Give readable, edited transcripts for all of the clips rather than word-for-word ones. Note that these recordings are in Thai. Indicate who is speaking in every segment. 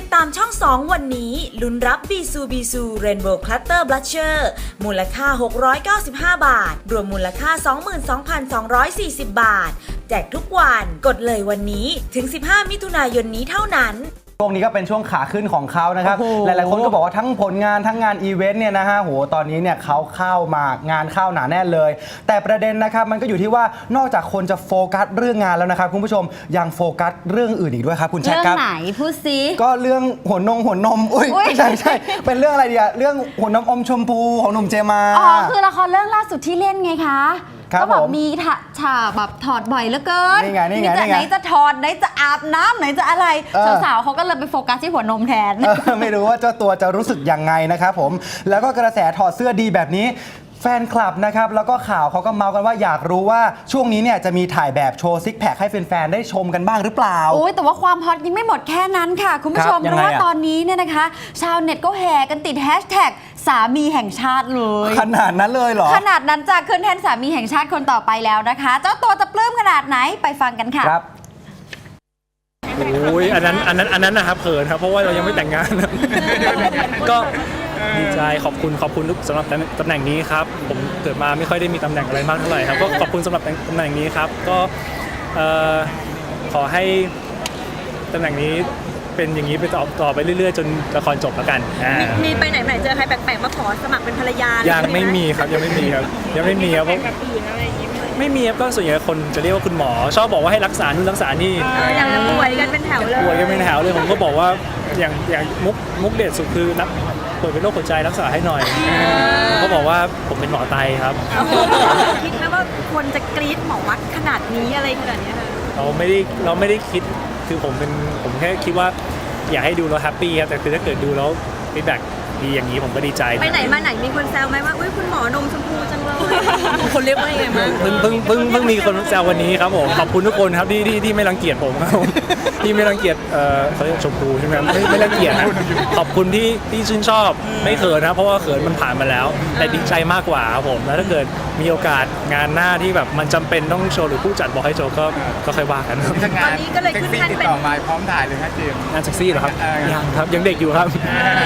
Speaker 1: ตามช่อง 2 วันนี้ลุ้นรับบีซูเรนโบว์คลัตเตอร์บลัชเชอร์มูลค่า695 บาทรวมมูลค่า 22,240 บาทแจกทุกวันกดเลยวันนี้ถึง15 มิถุนายนนี้เท่านั้น
Speaker 2: ช่วงนี้ก็เป็นช่วงขาขึ้นของเขานะครับหลายๆคนก็บอกว่าทั้งผลงานทั้งงานอีเวนต์เนี่ยนะฮะโหตอนนี้เนี่ยเขาเข้ามางานเข้าหนาแน่นเลยแต่ประเด็นนะครับมันก็อยู่ที่ว่านอกจากคนจะโฟกัสเรื่องงานแล้วนะครับคุณผู้ชมยังโฟกัสเรื่องอื่นอีกด้วยครับคุณแชทครับ
Speaker 3: เรื่องไหนพูดซิ
Speaker 2: ก็เรื่องหัวนมอุ้ยไม่ใช่เป็นเรื่องอะไรดีอะเรื่องหัวนมอมชมพูของหนุ่มเจมา
Speaker 3: อ๋อคือละครเรื่องล่าสุดที่เล่นไงคะก็แบบมีฉากแบบถอดบ่อยเหลือเกิน
Speaker 2: นี่ไง
Speaker 3: ไหนจะถอดไหนจะอาบน้ำไหนจะอะไรสาวๆเขาก็เลยไปโฟกัสที่หัวนมแทน
Speaker 2: ไม่รู้ว่าเจ้าตัวจะรู้สึกยังไงนะครับผมแล้วก็กระแสถอดเสื้อดีแบบนี้แฟนคลับนะครับแล้วก็ข่าวเขาก็เมาส์กันว่าอยากรู้ว่าช่วงนี้เนี่ยจะมีถ่ายแบบโชว์ซิกแพคให้แฟนๆได้ชมกันบ้างหรือเปล่า
Speaker 3: โอ้ยแต่ว่าความฮอตยังไม่หมดแค่นั้นค่ะคุณผู้ชมเพราะว่าตอนนี้เนี่ยนะคะชาวเน็ตก็แห่กันติดแฮชแท็กสามีแห่งชาติเลย
Speaker 2: ขนาดนั้นเลยเหรอ
Speaker 3: ขนาดนั้นจะขึ้นแทนสามีแห่งชาติคนต่อไปแล้วนะคะเจ้าตัวจะปลื้มขนาดไหนไปฟังกันค่ะ
Speaker 2: ครับ
Speaker 4: โอ้ยอันนั้นนะครับเขินครับเพราะว่าเรายังไม่แต่งงานก็ดีใจขอบคุณสำหรับตำแหน่งนี้ครับผมเกิดมาไม่ค่อยได้มีตำแหน่งอะไรมากเท่าไหร่ครับก็ขอบคุณสำหรับตำแหน่งนี้ครับก็ขอให้ตำแหน่งนี้เป็นอย่างนี้ไปต่อไปเรื่อยๆจนละครจบแล้วกัน
Speaker 5: มีไปไหนเจอใครแปลกๆมาขอสมัครเป็นภรรยา
Speaker 4: ยังไม่มีครับยังไม่มีครับไม่มีครับก็ส่วนใหญ่คนจะเรียกว่าคุณหมอชอบบอกว่าให้รักษานู่นรักษานี่
Speaker 5: อย่างป่วยกันเป็นแถวเลย
Speaker 4: ผมก็บอกว่าอย่างมุกเด็ดสุดคือป่วยเป็นโรคหัวใจรักษาให้หน่อยเขาบอกว่าผมเป็นหมอไตครับ
Speaker 5: คิดไหมว่าคนจะกรี๊ดหมอวัดขนาดนี้อะไรขนาดนี้
Speaker 4: เราไม่ได้คิดคือผมแค่คิดว่าอยากให้ดูแล้วแฮปปี้ครับแต่คือถ้าเกิดดูแล้วฟีดแบ็กดีอย่างนี้ผมก็ดีใจ
Speaker 5: ไปไหนมาไหนมีคนแซวไหมว่าอุ้ยคุณหมอนมชมพูจังเลยคนเรียกว่ายังไงบ้าง
Speaker 4: เพิ่งมีคนแซววันนี้ครับผมขอบคุณทุกคนครับที่ไม่รังเกียจผมครับที่ไม่รังเกียจเขาเรียกชมพูใช่ไหมไม่รังเกียจนะขอบคุณที่ชื่นชอบไม่เขินนะเพราะว่าเขินมันผ่านมาแล้วแต่ดีใจมากกว่าครับผมแล้วถ้าเกิดมีโอกาสงานหน้าที่แบบมันจำเป็นต้องโชว์หรือผู้จัดบอกให้โชว์ก็ค่อยว่ากัน
Speaker 5: ตอนนี้ก็เลยขึ้นขั้นเป็น
Speaker 6: ติดต่อมาพร้อมถ่ายเลยครับเจมส์
Speaker 4: งานเซ็กซี่เหรอครับยังครับยังเด็กอยู่ครับ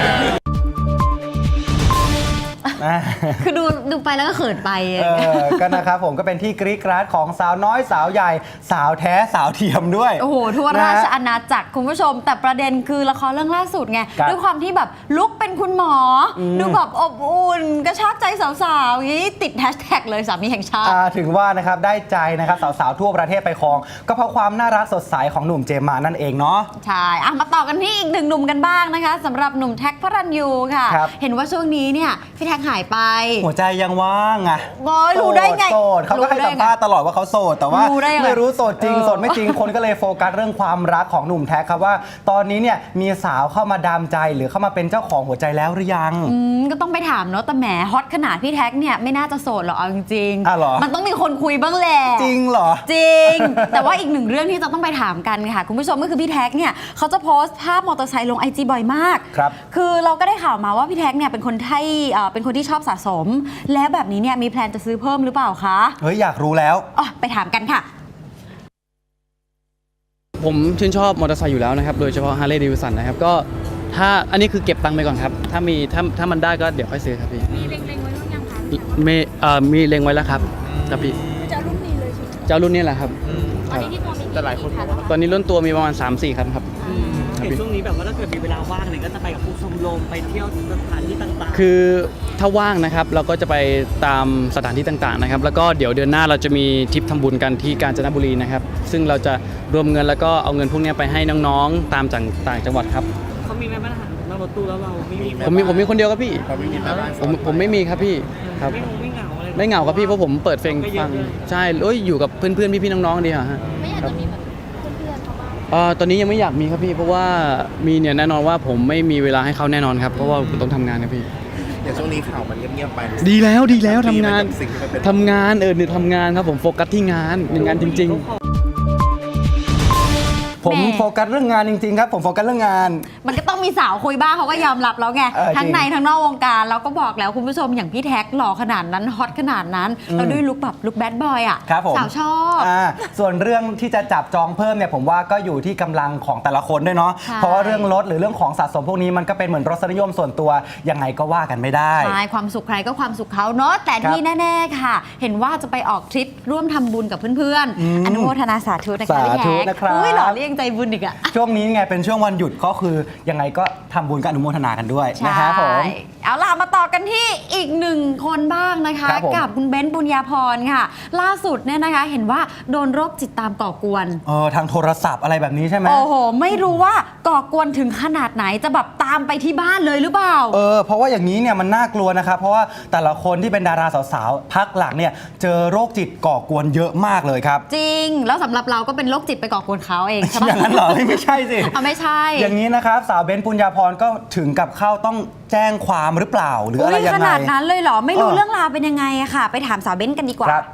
Speaker 3: คือดูไปแล้วก็เขินไป
Speaker 2: ก็นะครับผมก็เป็นที่กรี๊ดกราดของสาวน้อยสาวใหญ่สาวแท้สาวเทียมด้วย
Speaker 3: โอ้โหทั่วราชอาณาจักรคุณผู้ชมแต่ประเด็นคือละครเรื่องล่าสุดไงด้วยความที่แบบลุกเป็นคุณหมอดูแบบอบอุ่นกระชากใจสาวๆอย่างนี้ติดแฮชแท็กเลยสามีแห่งชาติ
Speaker 2: ถึงว่านะครับได้ใจนะครับสาวๆทั่วประเทศไปครองก็เพราะความน่ารักสดใสของหนุ่มเจมมานั่นเองเนาะ
Speaker 3: ใช่มาต่อกันที่อีกหนึ่งหนุ่มกันบ้างนะคะสำหรับหนุ่มแท็กพระรัญยูค่ะเห็นว่าช่วงนี้เนี่ยพี่แท็กหายไป
Speaker 2: หัวใจยังว่างอ่ะ
Speaker 3: รู้ได้ไง
Speaker 2: โสดเขาก็ให้สัมภาษณ์ตลอดว่าเขาโสดแต่ว่าไม่รู้โสดจริงโสดไม่จริงคนก็เลยโฟกัสเรื่องความรักของหนุ่มแท็กครับว่าตอนนี้เนี่ยมีสาวเข้ามาดามใจหรือเข้ามาเป็นเจ้าของหัวใจแล้วหรือยัง
Speaker 3: ก็ต้องไปถามเนาะแต่แหมฮอตขนาดพี่แท็กเนี่ยไม่น่าจะโสดหรอกเอาจริง
Speaker 2: ๆ
Speaker 3: มันต้องมีคนคุยบ้างแหละ
Speaker 2: จริงเหรอ
Speaker 3: จริงแต่ว่าอีกหนึ่งเรื่องที่จะต้องไปถามกันค่ะคุณผู้ชมก็คือพี่แท็กเนี่ยเขาจะโพสต์ภาพมอเตอร์ไซค์ลง IG บ่อยมากคือเราก็ได้ข่าวมาว่าพี่แท็กเนี่ยเป็นคนที่ชอบสะสมแล้วแบบนี้เนี่ยมีแพลนจะซื้อเพิ่มหรือเปล่าคะ
Speaker 2: เฮ้ยอยากรู้แล้ว
Speaker 3: ไปถามกันค่ะ
Speaker 7: ผมชื่นชอบมอเตอร์ไซค์อยู่แล้วนะครับโดยเฉพาะ Harley Davidson นะครับก็ถ้าอันนี้คือเก็บตังค์ไปก่อนครับถ้ามันได้ก็เดี๋ยวค่อยซื้อครับพี่
Speaker 5: มีเล็งไว้หรือยังคะ
Speaker 7: มีเล็งไว้แล้วครับพี่
Speaker 5: จะรุ่นนี้เลยใช่ไหม
Speaker 7: จะรุ่นนี้แหละครับ
Speaker 5: ตอนนี้ที่ตัวมี
Speaker 4: แต่หลายคน
Speaker 7: ตอนนี้รุ่นตัวมีประมาณ 3-4 คันครับ
Speaker 8: เห็นช่วงนี้แบบว่าถ้าเกิดมีเวลาว่างเนี่ยก็จะไปกับผู้ชมรมไปเที่ยวสถานที่ต่าง
Speaker 7: ๆคือถ้าว่างนะครับเราก็จะไปตามสถานที่ต่างๆนะครับแล้วก็เดี๋ยวเดือนหน้าเราจะมีทริปทำบุญกันที่กาญจนบุรีนะครับซึ่งเราจะรวมเงินแล้วก็เอาเงินพวกนี้ไปให้น้องๆตามต่างจังหวัดครับ
Speaker 8: เขามีไหมบ้างนั่งรถตู้แล้วเราไม่มี
Speaker 7: ผมมีคนเดียวครับพี่ผมไม่มีครับพี่ครับไม่เหงาครับพี่เพราะผมเปิดเพลงฟังใช่อยู่กับเพื่อนๆพี่ๆน้องๆดีค่ะ
Speaker 5: ไม่อยากจะมีแบบเพื่อนๆเขาบ้าง
Speaker 7: ตอนนี้ยังไม่อยากมีครับพี่เพราะว่ามีเนี่ยแน่นอนว่าผมไม่มีเวลาให้เขาแน่นอนครับเพราะว่าผมต้องทำงานครับพี่
Speaker 6: อย่างช่วงนี้ข่าวมันเงียบๆไป
Speaker 7: ดีแล้วทำงานเนี่ยทำงานครับผมโฟกัสที่งานจริงๆ
Speaker 2: ผม
Speaker 3: แหม่
Speaker 2: โฟกัสเรื่องงานจริงๆครับผมโฟกัสเรื่องงาน
Speaker 3: มันก็ต้องมีสาวคุยบ้างเขาก็ยอมรับแล้วไง
Speaker 2: จริง
Speaker 3: ทั้งในทั้งนอกวงการเราก็บอกแล้วคุณผู้ชมอย่างพี่แท็กหล่อขนาดนั้นฮอตขนาดนั้นแล้วด้วยลุคแบบลุคแบดบอยอ่ะ
Speaker 2: ครับผม
Speaker 3: สาวชอบ
Speaker 2: ส่วนเรื่องที่จะจับจองเพิ่มเนี่ยผมว่าก็อยู่ที่กำลังของแต่ละคนด้วยเนาะ
Speaker 3: ใช่
Speaker 2: เพราะว่าเรื่องรถหรือเรื่องของสะสมพวกนี้มันก็เป็นเหมือนรสนิยมส่วนตัวยังไงก็ว่ากันไม่ได้
Speaker 3: ใช่ความสุขใครก็ความสุขเขาเนาะแต่ที่แน่ๆค่ะ เห็นว่าจะไปออกทริปร่วมทำบุญกับเพื่อนๆอนุโมทนาสาธุนะคะพี่
Speaker 2: สาธุ
Speaker 3: แท็ก
Speaker 2: นะครับ
Speaker 3: อุ้ยหล่อเรียงใจบุญอีกอะ
Speaker 2: ช่วงนี้ไงเป็นช่วงวันหยุดก็คือยังไงก็ทำบุญกับอนุโมทนากันด้วยนะครับผม
Speaker 3: เอาล่ะมาต่อกันที่อีกหนึ่งคนบ้างนะคะ
Speaker 2: ครับผม
Speaker 3: กับคุณเบ้นบุญญาพรค่ะ ล่าสุดเนี่ยนะคะเห็นว่าโดนโรคจิตตามก่อกวน
Speaker 2: ทางโทรศัพท์อะไรแบบนี้ใช่ไหม
Speaker 3: โอ้โห ไม่รู้ว่าก่อกวนถึงขนาดไหนจะแบบตามไปที่บ้านเลยหรือเปล่า
Speaker 2: เพราะว่าอย่างนี้เนี่ยมันน่ากลัวนะครับเพราะว่าแต่ละคนที่เป็นดาราสาวๆพักหลังเนี่ยเจอโรคจิตก่อกวนเยอะมากเลยครับ
Speaker 3: จริง แล้วสำหรับเราก็เป็นโรคจิตไปก่อกวนเขาเองใช่ไหม
Speaker 2: อย่างนั้นเหรอไม่ใช่สิ
Speaker 3: ไม่ใช่
Speaker 2: อย่างนี้นะครับสาวเบ้นปุญญาพรก็ถึงกับเข้าต้องแจ้งความหรือเปล่าหรืออะไร
Speaker 3: อุ๊ย
Speaker 2: ยัง
Speaker 3: ข
Speaker 2: ไง
Speaker 3: นาดนั้นเลยเหรอ ไม่รู้
Speaker 2: เออ
Speaker 3: เรื่องราวเป็นยังไงอะค่ะ ไปถามสาวเบ้นกันดีกว่า
Speaker 2: ครับ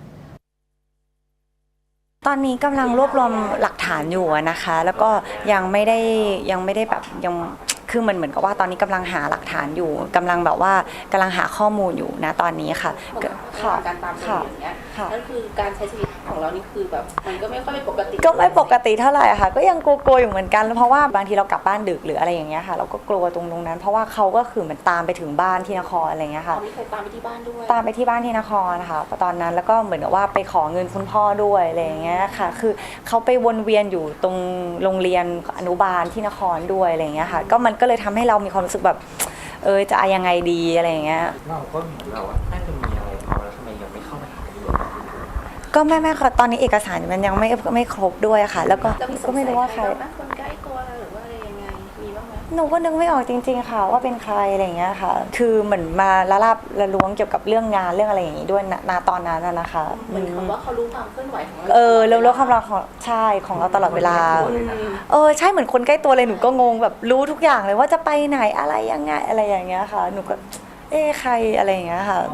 Speaker 9: ตอนนี้กำลังรวบรวมหลักฐานอยู่อะนะคะ แล้วก็ยังไม่ได้แบบยังคือเหมือนกับว่าตอนนี้กำลังหาหลักฐานอยู่กำลังแบบว่ากำลังหาข้อมูลอยู่นะตอนนี้ค่ะค่ะ
Speaker 5: การตามคดีอย่างเงี้ย
Speaker 9: ค่ะ
Speaker 5: นั่นคือการใช้ชีวิตของเรานี่คือแบบมันก็ไม่ค่อยเป็นปกติ
Speaker 9: ก็ไม่ปกติเท่าไหร่อะค่ะ ก็ยังกลัวๆอยู่เหมือนกันเพราะว่าบางทีเรากลับบ้านดึกหรืออะไรอย่างเงี้ยค่ะ เราก็กลัวตรงนั้น เพราะว่าเขาก็คือเหมือนตามไปถึงบ้านที่นครอะไรเงี้ยค่ะ
Speaker 5: เขาไม่เคยตามไปที่บ้านด้วย
Speaker 9: ตามไปที่บ้านที่นครนะคะตอนนั้นแล้วก็เหมือนกับว่าไปขอเงินคุณพ่อด้วยอะไรอย่างเงี้ยค่ะ คือเขาไปวนเวียนอยู่ตรงโรงเรียนอนุบาลที่นครด้วยอะไรอย่างเงี้ยค่ะ ก็มันก็เลยทำให้เรามีความรู้สึกแบบจะเอายังไงดีอะไรอย่างเงี้ย
Speaker 6: เราก็เหมือนเราว่าน่าจะมีอะไรเอาแล้วทำไมยังไม่เข้าไปหาตำรวจ
Speaker 9: ก็ไม่ค่ะตอนนี้เอกสารมันยังไม่ครบด้วยค่ะ แล้วก็
Speaker 5: แล้วมีส
Speaker 9: ก็
Speaker 5: ง
Speaker 9: ไม่
Speaker 5: สัย
Speaker 9: รู้ว่า
Speaker 5: ใค
Speaker 9: ใค
Speaker 5: ร
Speaker 9: ร
Speaker 5: บ้างคนใกล้ตัวหรือว่าอะไรยังไงมีบ้างไหม
Speaker 9: หนูก็นึกไม่ออกจริงๆค่ะว่าเป็นใครอะไรอย่างเงี้ยค่ะ คือเหมือนมาละลาบละล้วงเกี่ยวกับเรื่องงานเรื่องอะไรอย่างงี้ด้วยณตอนนั้นนะคะ
Speaker 5: เหมือนคำว่าเขารู้ความเคลื่อนไหวของเรา
Speaker 9: เรื่องความรักของใช่ของเราตลอดเวลาใช่เหมือนคนใกล้ตัวเลยหนูก็งงแบบรู้ทุกอย่างเลยว่าจะไปไหนอะไรยังไงอะไรอย่างเงี้ยค่ะ หนูก็ใครอะไรอย่างเงี้ยค่ะ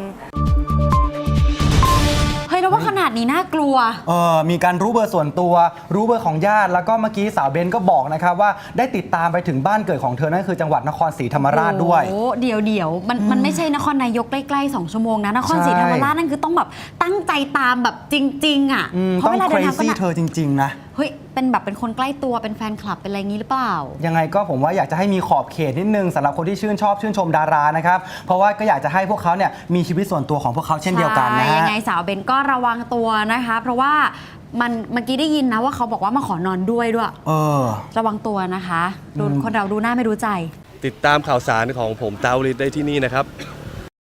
Speaker 3: เฮ้ยแล้วว่าขนาดนี้น่ากลัว
Speaker 2: มีการรู้เบอร์ส่วนตัว รู้เบอร์ของญาติ แล้วก็เมื่อกี้สาวเบนก็บอกนะครับว่าได้ติดตามไปถึงบ้านเกิดของเธอนั่นคือจังหวัดนครศรีธรรมราชด้วย
Speaker 3: โอ้เดี๋ยวมันไม่ใช่นครนายกใกล้ๆ2 ชั่วโมงนะนครศรีธรรมราชนั่นคือต้องแบบตั้งใจตามแบบจริง ๆอ่ะเพ
Speaker 2: ต้
Speaker 3: ราะ
Speaker 2: อง
Speaker 3: เวลา
Speaker 2: เค
Speaker 3: เดิ
Speaker 2: ร
Speaker 3: นทางก็
Speaker 2: ซี่
Speaker 3: หนัก
Speaker 2: เธอจริง ๆ นะ
Speaker 3: เฮ้ยเป็นแบบเป็นคนใกล้ตัวเป็นแฟนคลับเป็นอะไรงี้หรือเปล่า
Speaker 2: ยังไงก็ผมว่าอยากจะให้มีขอบเขตนิดนึงสำหรับคนที่ชื่นชมดารานะครับเพราะว่าก็อยากจะให้พวกเขาเนี่ยมีชีวิตส่วนตัวของพวกเขาเช่นเดียวกันนะ
Speaker 3: ใช่
Speaker 2: ฮะ
Speaker 3: ยังไงสาวเบนก็ระวังตัวนะคะ เพราะว่าเมื่อกี้ได้ยินนะว่าเขาบอกว่ามาขอนอนด้วย ระวังตัวนะคะคนเราดูหน้าไม่รู้ใจ
Speaker 10: ติดตามข่าวสารของผมตาวลิศได้ที่นี่นะครับ